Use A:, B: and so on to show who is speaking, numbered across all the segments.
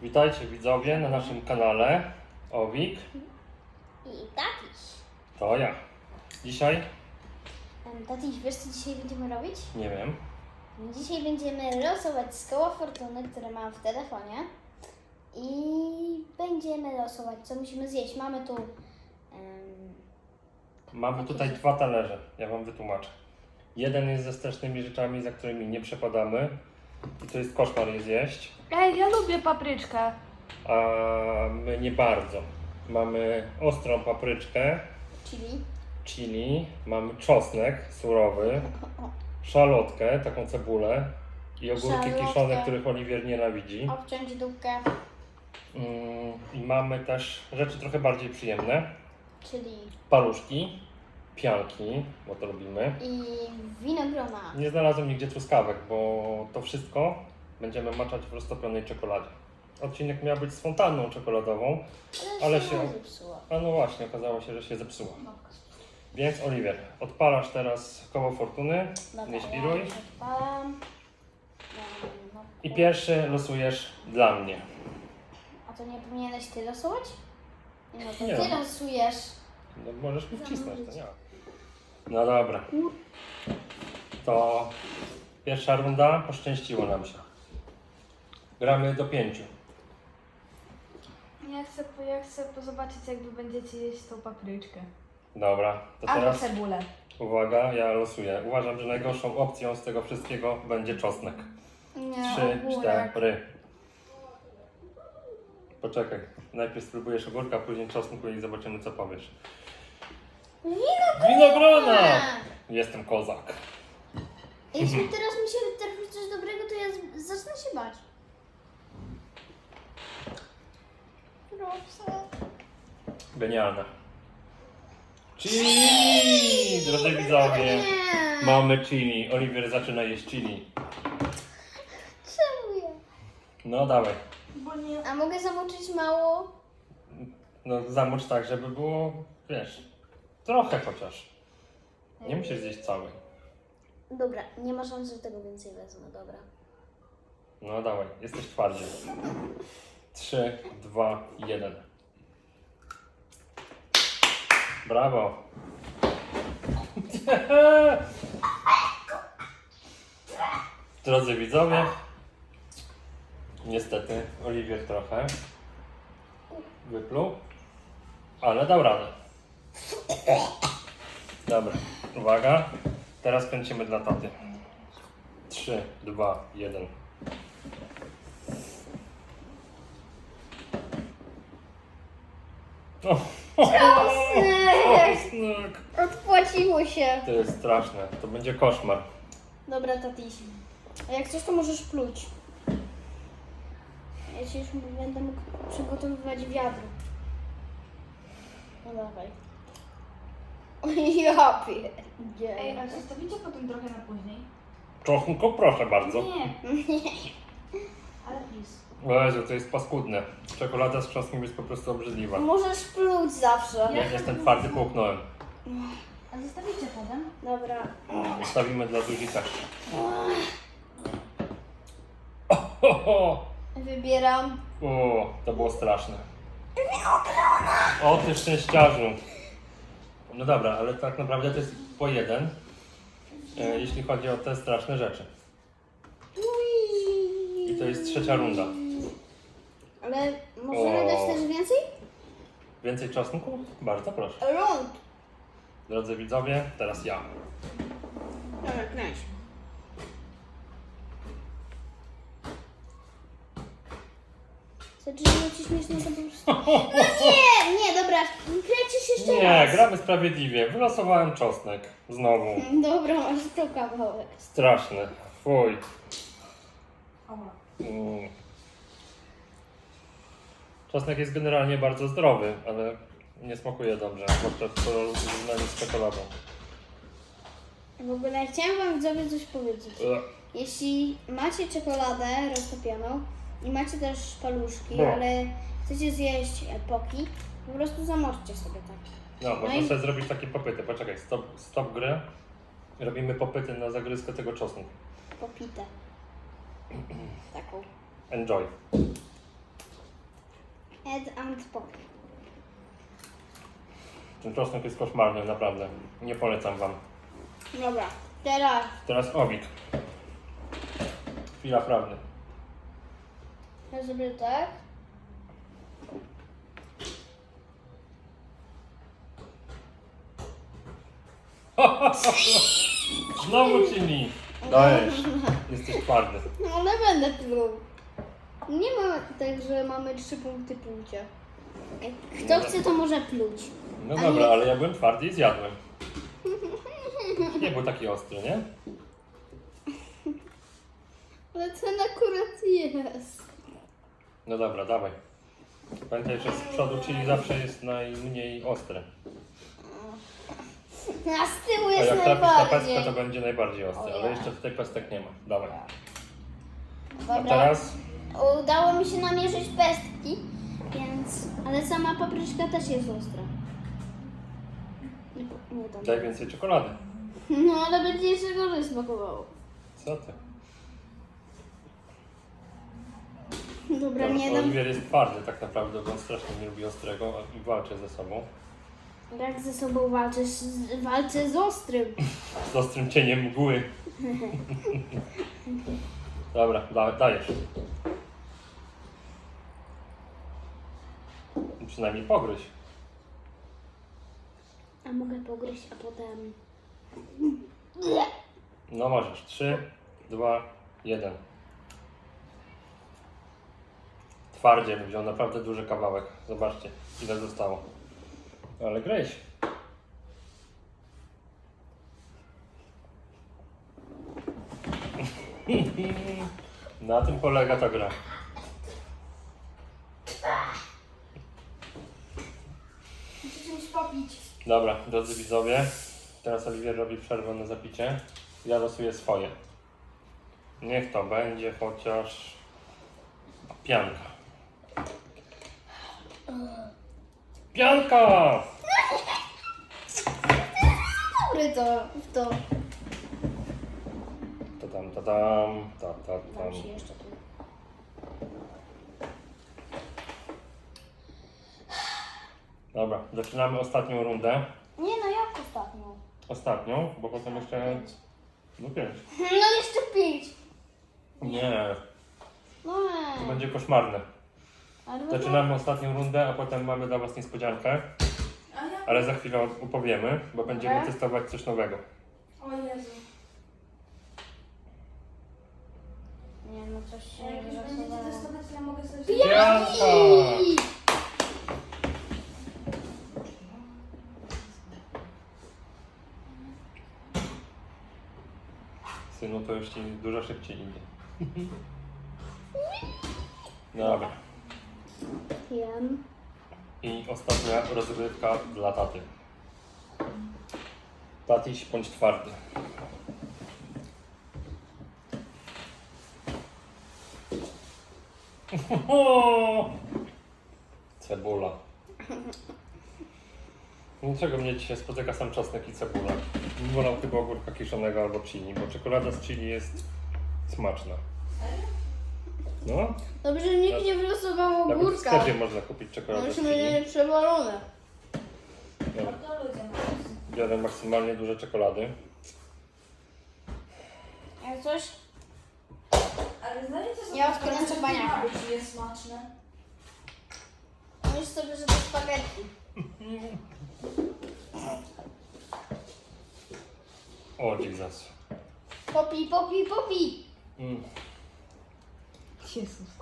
A: Witajcie widzowie na naszym kanale Owik.
B: I Tatiś.
A: To ja. Dzisiaj?
B: Tatiś, wiesz co dzisiaj będziemy robić?
A: Nie wiem.
B: Dzisiaj będziemy losować z koła fortuny, które mam w telefonie. I będziemy losować, co musimy zjeść. Mamy tu...
A: Mamy tutaj dwa talerze. Ja wam wytłumaczę. Jeden jest ze strasznymi rzeczami, za którymi nie przepadamy. I to jest koszmar je zjeść.
C: Ej, ja lubię papryczkę.
A: A my nie bardzo. Mamy ostrą papryczkę, chili, mamy czosnek surowy, szalotkę, taką cebulę i ogórki kiszone, których Oliwier nienawidzi.
B: Obciąć dupkę,
A: I mamy też rzeczy trochę bardziej przyjemne.
B: czyli
A: Paluszki, pianki, bo to lubimy.
B: i winogrona.
A: Nie znalazłem nigdzie truskawek, bo to wszystko będziemy maczać w roztopionej czekoladzie. Odcinek miał być z fontanną czekoladową, ale się...
B: zepsuło.
A: A no właśnie, okazało się, że się zepsuła. Więc Oliwier, odpalasz teraz koło fortuny, nie świruj.
B: Ja już odpalam.
A: I pierwszy losujesz dla mnie.
B: A to nie powinieneś ty losować? Nie, no to
A: Nie.
B: ty losujesz.
A: No możesz mi wcisnąć, to nie. No dobra. To pierwsza runda, poszczęściło nam się. Gramy do 5.
C: Ja chcę zobaczyć, jak wy będziecie jeść tą papryczkę.
A: Dobra, to
C: Albo
A: teraz
C: cebulę.
A: uwaga, ja losuję. Uważam, że najgorszą opcją z tego wszystkiego będzie czosnek.
B: Nie,
A: 3,
B: ogórek.
A: 4. Poczekaj, najpierw spróbujesz ogórka, później czosnku i zobaczymy, co powiesz. Winogrona! Jestem kozak.
B: Jeśli teraz mi się trafi coś dobrego, to ja zacznę się bać. Proszę.
A: Genialne. Chili! Drodzy widzowie,
B: Nie.
A: mamy chili. Oliwier zaczyna jeść chili.
B: Czemu ja?
A: No dawaj.
C: Bo nie...
B: A mogę zamoczyć mało?
A: No zamocz tak, żeby było, wiesz, trochę chociaż. Nie musisz zjeść całej.
B: Dobra, nie ma szans, że tego więcej wezmę, dobra.
A: No dawaj, jesteś twardziej. 3, 2, 1. Brawo. Drodzy widzowie, niestety Oliwier trochę wypluł, ale dał radę. Dobra, uwaga, teraz kręcimy dla taty. 3, 2, 1.
B: Czosnek! Odpłaciło się.
A: To jest straszne, to będzie koszmar.
B: Dobra, tatiś. A jak coś, to możesz pluć. Ja ci już będę mógł przygotowywać wiadro. No dawaj. Ja pierdzielę.
C: Ej, a zostawicie potem trochę na później?
A: Czosnku, proszę bardzo.
C: Nie. Ale please.
A: O Jezu, to jest paskudne. Czekolada z czosnkiem jest po prostu obrzydliwa.
B: Możesz pluć zawsze.
A: Ja jestem twardy, połknąłem.
C: A zostawicie potem?
B: Dobra.
A: Zostawimy dla Zuzi też.
B: Wybieram.
A: O, to było straszne. O ty szczęściarzu. No dobra, ale tak naprawdę to jest po jeden, jeśli chodzi o te straszne rzeczy. I to jest trzecia runda.
B: Ale możemy dać też więcej?
A: Więcej czosnku? Bardzo proszę.
B: Rund.
A: Drodzy widzowie, teraz ja.
B: Dobra, kręć. Zaczynają ci śmiesznie to po prostu. No nie, dobra, kręcisz jeszcze
A: Nie,
B: raz.
A: gramy sprawiedliwie. Wylosowałem czosnek. Znowu.
B: Dobra, masz to kawałek.
A: Straszne. Fuj.
C: Oła.
A: Mm. Czosnek jest generalnie bardzo zdrowy, ale nie smakuje dobrze, zwłaszcza w porównaniu z czekoladą.
B: W ogóle chciałam wam widzowie coś powiedzieć. Jeśli macie czekoladę roztopioną i macie też paluszki,
A: No.
B: ale chcecie zjeść epoki, po prostu zamoczcie sobie tak.
A: No, można
B: i-
A: sobie zrobić takie popyty. Poczekaj, stop grę. Robimy popyty na zagryzkę tego czosnku.
B: Popite. Taką.
A: Enjoy.
B: Ed and Pop.
A: Ten czosnek jest koszmarny, naprawdę. Nie polecam wam.
B: Dobra, teraz
A: Teraz owik. Chwila prawdy.
B: ja zrobię tak.
A: Znowu chili. Dajesz. Jesteś twardy.
B: No ale będę pluł. Nie ma tak, że mamy 3 punkty plucia. Jak kto chce, to może pluć.
A: No
B: A
A: dobra,
B: nie-
A: ale ja byłem twardy i zjadłem. Nie był taki ostry, nie?
B: Ale ten akurat jest.
A: No dobra, dawaj. Pamiętaj, że z przodu chili zawsze jest najmniej ostre.
B: A z tyłu
A: A
B: jest
A: jak trafisz na
B: najbardziej.
A: pestkę, to będzie najbardziej ostre,
B: O
A: ale
B: ja.
A: jeszcze tutaj pestek nie ma. Dawaj. A
B: Dobra.
A: teraz
B: Udało mi się namierzyć pestki, więc... Ale sama papryczka też jest ostra. Nie tam.
A: daj więcej czekolady.
B: No ale będzie jeszcze gorzej smakowało.
A: Co ty?
B: Dobra, nie dam.
A: Oliwier jest twardy tak naprawdę, bo on strasznie nie lubi ostrego i walczy ze sobą.
B: Jak ze sobą walczysz? Walczę z ostrym.
A: Z ostrym cieniem mgły. Dobra, dajesz. Przynajmniej pogryź.
B: A mogę pogryźć, a potem...
A: No możesz. 3, 2, 1. Twardzie wziął naprawdę duży kawałek. Zobaczcie, ile zostało. Ale gryź. Na tym polega ta gra.
C: Muszę czymś popić.
A: Dobra, drodzy widzowie, teraz Oliwier robi przerwę na zapicie. Ja losuję swoje. Niech to będzie chociaż pianka. Pianka!
B: Dobry to, w to.
A: Dam
B: Dam się jeszcze tu.
A: Dobra, zaczynamy ostatnią rundę.
B: Nie no, jak ostatnią?
A: Ostatnią, bo potem jeszcze... No 5.
B: No jeszcze 5.
A: Nie,
B: No
A: to
B: nie.
A: będzie koszmarne.
B: Ale
A: Zaczynamy ostatnią rundę, a potem mamy dla Was niespodziankę.
C: A ja...
A: Ale za chwilę opowiemy, bo będziemy
B: Dobra.
A: testować coś nowego.
C: O Jezu.
B: Nie no, coś się
C: A jak już będziecie
B: wylosowało.
C: testować, to ja mogę sobie...
A: Pianka! Synu, to już Ci dużo szybciej idzie. Dobra.
B: Jem.
A: I ostatnia rozgrywka dla taty. Tatiś bądź twardy. Cebula. Niczego mnie dzisiaj spotyka sam czosnek i cebula. Wolał chyba ogórka kiszonego albo chili, bo czekolada z chili jest smaczna. No,
B: Dobrze, że nikt nie wylosował
A: nawet w
B: ogórka.
A: sklepie można kupić czekoladę z
B: Myśmy
A: chili.
B: mieli przewalone.
A: Dobra.
C: To ludzie mają.
A: Biorę maksymalnie duże czekolady.
B: Jak coś?
C: Ale znajdziecie sobie...
B: Ja odkręcę baniaka.
C: Czy jest smaczne?
B: Myśl sobie, że to spaghetti.
A: O, Jesus.
B: Popi, popi, popi.
A: Mm.
C: Jezus.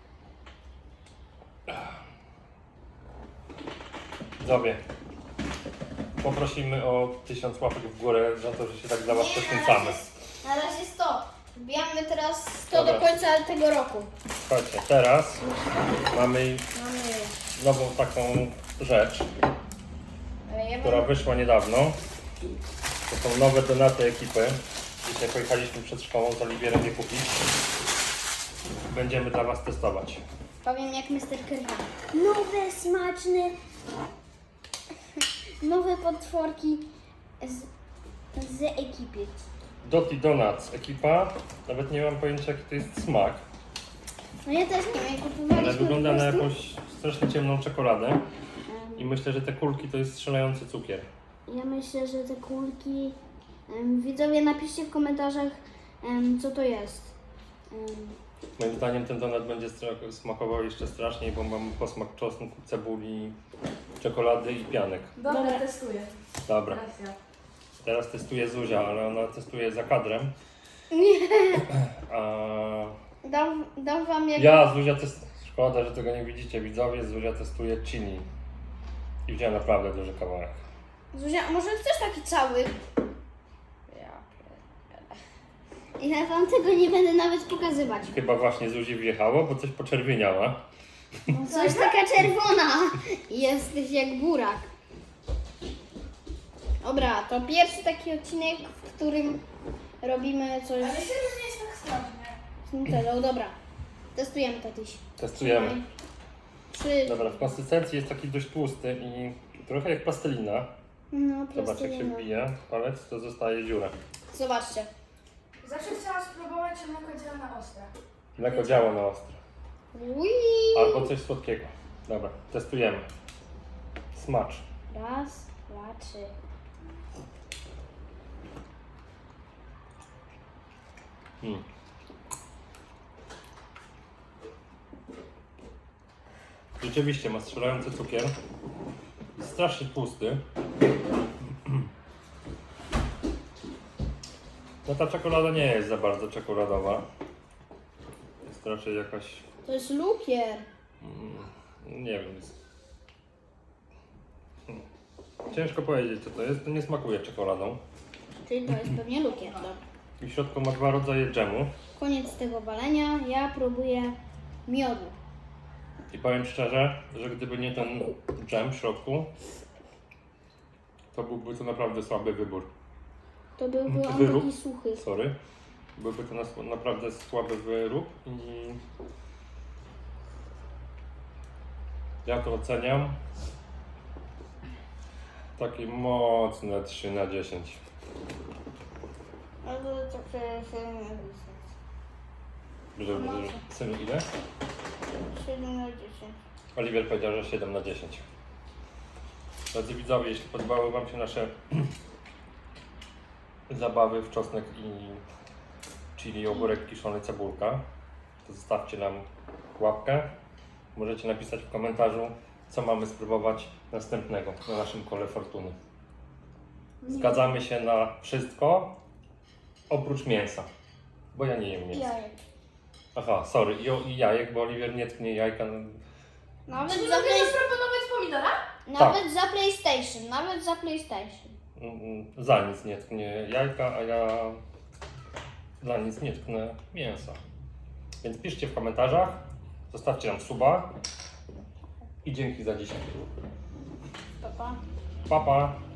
A: Widzowie, poprosimy o 1000 łapek w górę za to, że się tak dla Was poświęcamy.
B: Na razie 100. Wbijamy teraz 100
A: Dobra.
B: do końca tego roku.
A: Słuchajcie, teraz mamy
B: Mamy...
A: nową taką rzecz,
B: Ja
A: która
B: mam...
A: wyszła niedawno. To są nowe donaty ekipy. Dzisiaj pojechaliśmy przed szkołą z Oliwierem je kupić. Będziemy dla Was testować.
B: Powiem jak Mr. Kerwan. Nowe, smaczne... Nowe potworki z ekipy.
A: Doty Donuts ekipa. Nawet nie mam pojęcia jaki to jest smak.
B: No ja też nie wiem, kupowaliśmy
A: Ale wygląda
B: po
A: na
B: prostu...
A: jakąś strasznie ciemną czekoladę i myślę, że te kulki to jest strzelający cukier.
B: Ja myślę, że te kulki... widzowie, napiszcie w komentarzach, co to jest.
A: Moim zdaniem ten donat będzie smakował jeszcze straszniej, bo mam posmak czosnku, cebuli, czekolady i pianek.
C: Dobra,
B: Dobra.
C: testuję.
A: Dobra,
C: Teraz ja.
A: teraz testuje Zuzia, ale ona testuje za kadrem. A
B: Dam wam jak...
A: ja, Zuzia, szkoda, że tego nie widzicie, widzowie, Zuzia testuje chili. I wzięła naprawdę duży kawałek.
B: Zuzia, a może chcesz taki cały?
C: Ja.
B: Ja wam tego nie będę nawet pokazywać.
A: Chyba właśnie Zuzi wjechało, bo coś poczerwieniała.
B: Coś taka czerwona. Jesteś jak burak. Dobra, to pierwszy taki odcinek, w którym robimy coś
C: Ale serio nie jest tak strasznie.
B: z Nutellą. Dobra, testujemy tatuś.
A: Testujemy.
B: 3.
A: Dobra, w konsystencji jest taki dość tłusty i trochę jak plastelina.
B: No,
A: Zobacz, jak się
B: plastelina.
A: wbije palec, to zostaje dziura.
B: Zobaczcie.
C: Zawsze chciałam spróbować, czy mleko działa na ostre.
A: Mleko działa na ostro.
B: Ui.
A: Albo coś słodkiego. Dobra, testujemy. Smacz.
B: Raz, dwa, trzy.
A: Mm. Rzeczywiście ma strzelający cukier. Jest strasznie tłusty. No ta czekolada nie jest za bardzo czekoladowa. Jest raczej jakaś,
B: To jest lukier.
A: nie wiem. Ciężko powiedzieć co to jest. To nie smakuje czekoladą.
B: Czyli to jest pewnie lukier. Dobra.
A: I w środku ma dwa rodzaje dżemu.
B: Koniec tego walenia. Ja próbuję miodu.
A: I powiem szczerze, że gdyby nie ten dżem w środku, to byłby to naprawdę słaby wybór.
B: To byłby on
A: Wyrób.
B: taki suchy.
A: Sorry. Byłby to naprawdę słaby wyrób i ja to oceniam takie mocne 3 na 10.
B: Ale to
A: Że synu ile?
B: 7 na 10.
A: Oliwier powiedział, że 7 na 10. Drodzy widzowie, jeśli podobały Wam się nasze zabawy w czosnek i chili, ogórek kiszony, cebulka, to zostawcie nam łapkę. Możecie napisać w komentarzu, co mamy spróbować następnego na naszym kole fortuny. Zgadzamy się na wszystko, oprócz mięsa, bo ja nie jem mięsa.
B: Jajek.
A: Aha, sorry, i jajek, bo Oliwier nie tknie jajka.
B: Nawet
C: Czy nie
B: za,
C: mogę zaproponować pomidora?
B: nawet za PlayStation. Nawet za PlayStation.
A: Za nic nie tknie jajka, a ja dla nic nie tknę mięsa. Więc piszcie w komentarzach, zostawcie nam suba i dzięki za dzisiaj.
B: Pa, pa.
A: Pa, pa.